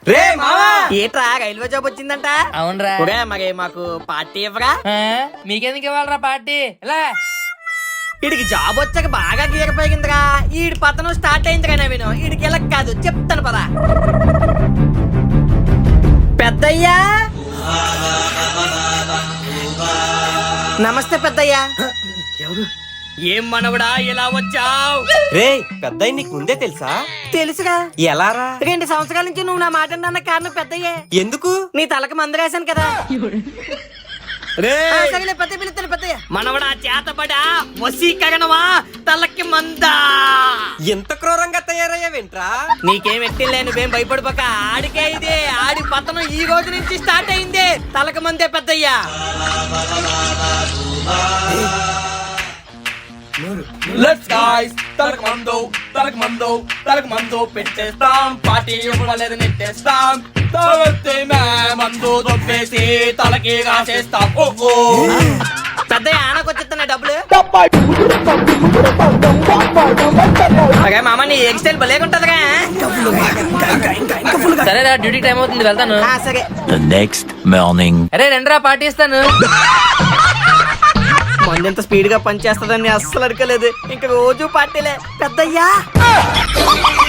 రే మావా ఏట్రా railway job వచ్చిందంట? అవునరా. ఒరే మరి మాకు పార్టీ ఇవ్వరా? మీకెందుకు ఇవ్వాలరా పార్టీ? ఇలా వీడికి జాబ్ వచ్చాక బాగా గీరపోయిందిరా. ఈడి పతనం స్టార్ట్ అయిందిరా. నవీను వీడికి ఇలా కాదు చెప్తాను పదా. పెద్దయ్యా నమస్తే పెద్దయ్యా. ఎవరు? ఏం మనవడా ఇలా వచ్చావు? రే పెద్దయ్య నీకు ముందే తెలుసా? తెలుసుగా. ఎలారా? 2 సంవత్సరాల నుంచి నువ్వు నా మాట అన్న కారణం పెద్దయ్యే. ఎందుకు? నీ తలకు మందరేశాను కదా. సరేలే పెద్ద పిలుస్తాను పెద్దయ్య. మనవడా చేతబడా వశీకరణమా తలకి మందా. ఎంత క్రూరంగా తయారయ్యావేంట్రా? నీకేం ఎట్టిలే, నువ్వేం భయపడిపోక. ఆడికే ఇదే ఆడి పతనం ఈ రోజు నుంచి స్టార్ట్ అయింది. తలకి మందే పెద్దయ్యా. Let's guys, తలకు మందు పెట్టేస్తాం, పార్టీ ఇవ్వలేదు నెట్టేస్తాం, తలకి మందు దొబ్బేసి తలకి రాసేస్తాం. ఓహో పెద్దయ్య ఆనకొచ్చిస్తున్నా డబ్బులు. అరే మామ నీ హెయిర్ స్టైల్ భలేగుంటదిగా. సరేరా, డ్యూటీ టైం అవుతుంది, వెళ్తాను. సరే The next morning. అరే రండిరా, పార్టీ ఇస్తాను. మంది ఎంత స్పీడ్ గా పనిచేస్తుందని అస్సలు అడగలేదు. ఇంక రోజు పార్టీలే పెద్దయ్యా.